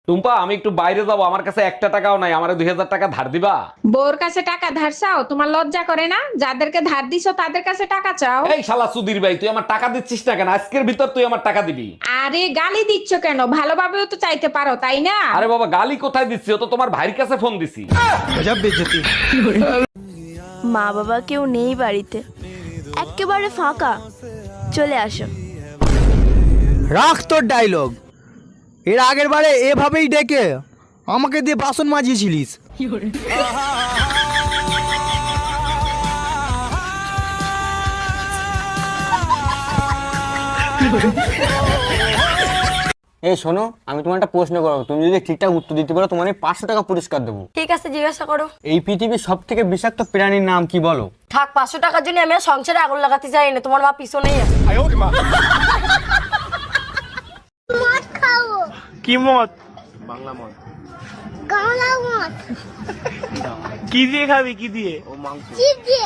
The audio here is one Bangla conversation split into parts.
টুম্পা, আমি একটু বাইরে যাবো, আমার কাছে একটা টাকাও নাই, আমারে 2000 টাকা ধার দিবা? বউর কাছে টাকা ধার চাও? তোমার লজ্জা করে না? যাদেরকে ধার দিছো তাদের কাছে টাকা চাও? এই শালা সুধীর ভাই, তুই আমার টাকা দিচ্ছিস না কেন? আজকের ভিতর তুই আমার টাকা দিবি। আরে গালি দিচ্ছ কেন? ভালোভাবেও তো চাইতে পারো, তাই না? আরে বাবা, গালি কোথায় দিচ্ছি? ও তো তোমার ভাইয়ের কাছে ফোন দিছি। মা বাবা কেউ নেই বাড়িতে, একেবারে ফাঁকা। চলে আসো। রাখ তোর ডায়লগ। এর আগের বারে এভাবেই ডেকে আমাকে দিয়ে বাসন মাজিয়েছিলিস। এই শোনো, আমি তোমার একটা প্রশ্ন করবো, তুমি যদি ঠিকঠাক উত্তর দিতে পারো তোমার 500 টাকা পুরস্কার দেবো। ঠিক আছে, জিজ্ঞাসা করো। এই পৃথিবীর সব থেকে বিষাক্ত প্রাণীর নাম কি বলো? থাক, 500 টাকার জন্য আমি আর সংসারে আগুন লাগাতে চাই না। তোমার মা পিছনেই আছে। মদ খাবো। কি মদ? গাঁলা মদ। কি দিয়ে খাবি? কি দিয়ে? চিপ দিয়ে।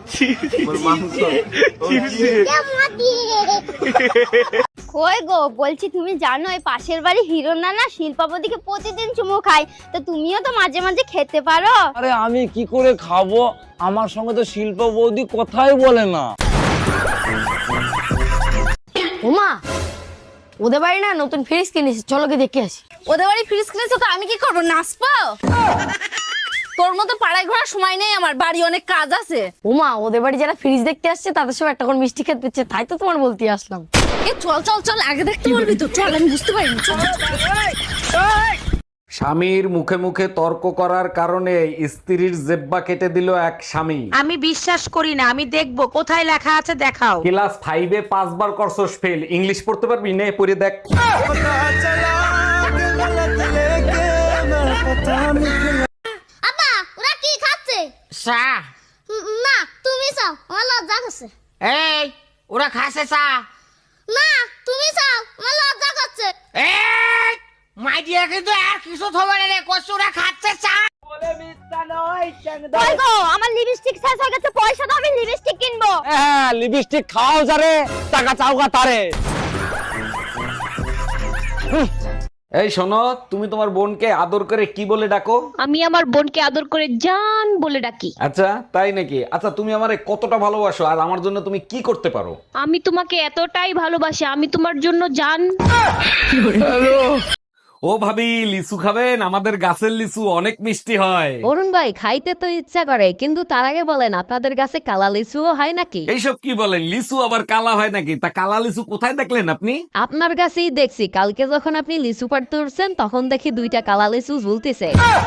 চিপস দিয়ে। মদ দিয়ে। কই গো, বলছি তুমি জানো এই পাশের বাড়ি হিরো নানা শিল্পাপতিকে প্রতিদিন চুমু খায়, তো তুমিও তো মাঝে মাঝে খেতে পারো। আরে আমি কি করে খাবো? আমার সঙ্গে তো শিল্প বৌদি কথাই বলে না। ওমা, ওদের বাড়ি না নতুন ফ্রিজ কিনেছে, চলো গিয়ে দেখে আসি। ওদের বাড়ি ফ্রিজ কিনেছো তো আমি কি করবো? নাচবো? তোর মতো পাড়ায় ঘোরার সময় নেই আমার, বাড়ি অনেক কাজ আছে। ওমা, ওদের বাড়ি যারা ফ্রিজ দেখতে আসছে তাদের সব একটা করে মিষ্টি খেতে দিচ্ছে, তাই তো তোমার বলতে আসলাম। এ চল চল চল, আগে দেখতে বলবি তো, চল, আমি বুঝতে পারিনি। চল, চল, চল। স্বামীর মুখে মুখে তর্ক করার কারণে স্ত্রীর জেব্বা কেটে দিল এক স্বামী। আমি বিশ্বাস করি না, আমি দেখবো কোথায় লেখা আছে, দেখাও। ক্লাস 5-এ 5 বার করছস ফেল, ইংলিশ পড়তে পারবি? নে পড়ে দেখ। আপা, ওরা কি খাচ্ছে? চা। না, তুমি চাও, আমার লজ্জা করছে। এই, ওরা খাসে চা। না, তুমি চাও, আমার লজ্জা করছে। এই, মাইডিয়া কিন্তু আর কিছু থবে না রে, কচুরা খাচ্ছে চা। কই গো, আমার লিপস্টিক শেষ হয়ে গেছে, পয়সা দাও, আমি লিপস্টিক কিনবো। হ্যাঁ, লিপস্টিক খাও যারে, টাকা চাওগা তারে। এই শোনো, তুমি তোমার বোনকে আদর করে কি বলে ডাকো? আমি আমার বোনকে আদর করে জান বলে ডাকি। আচ্ছা, তাই নাকি? আচ্ছা, তুমি আমারে কতটা ভালোবাসো আর আমার জন্য তুমি কি করতে পারো? আমি তোমাকে এতটাই ভালোবাসি, আমি তোমার জন্য জান। ও ভাবি, লিচু খাবেন? আমাদের গাছের লিচু অনেক মিষ্টি হয়। অরুণ ভাই, খাইতে তো ইচ্ছা করে, কিন্তু তার আগে বলেন আপনাদের কাছে কালা লিচুও হয় নাকি? এইসব কি বলেন? লিচু আবার কালা হয় নাকি? তা কালা লিচু কোথায় দেখলেন আপনি? আপনার কাছেই দেখছি, কালকে যখন আপনি লিচু পাড়তে উঠছেন তখন দেখি 2টা কালা লিচু ঝুলতেছে।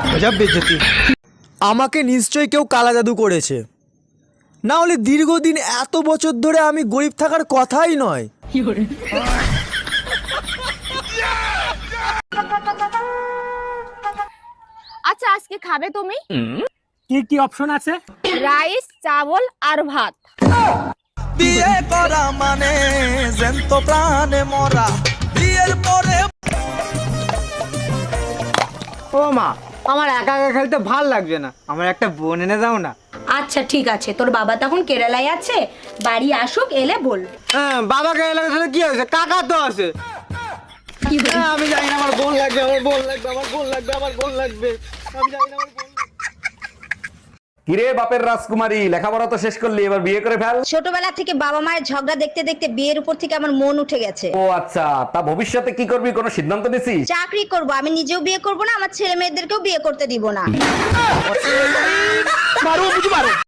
আমাকে নিশ্চয়ই কেউ কালা জাদু করেছে, না হলে দীর্ঘদিন এত বছর ধরে আমি গরিব থাকার কথাই নয়। আচ্ছা, আজকে খাবে তুমি? কি কি অপশন আছে? রাইস, চাবল আর ভাত। বিয়ে করা মানে জ্যান্ত প্রাণে মরা। বিয়ের পরে ও মা, আমার একা একা খেলতে ভাল লাগছে না, আমার একটা বোন এনে দাও না। আচ্ছা ঠিক আছে, তোর বাবা তখন কেরালায় আছে, বাড়ি আসুক, এলে বল। হ্যাঁ, বাবাকে এলাকা সাথে কি হয়েছে? কাকা তো আছে। হ্যাঁ, আমি জানি না, আমার বোন লাগবে, আমার বোন লাগবে, আমার বোন লাগবে, আমার বোন লাগবে। আমি জানি না, আমার বোন লাগবে। কিরে বাপের রাজকুমারী, লেখাপড়া তো শেষ করলি, এবার বিয়ে করে ফেল। ছোটবেলা থেকে বাবা মায়ের ঝগড়া দেখতে দেখতে বিয়ের উপর থেকে আমার মন উঠে গেছে। ও আচ্ছা, তা ভবিষ্যতে কি করবি, কোনো সিদ্ধান্ত নিছিস? চাকরি করব, আমি নিজেও বিয়ে করব না, আমার ছেলে মেয়েদেরকেও বিয়ে করতে দিব না।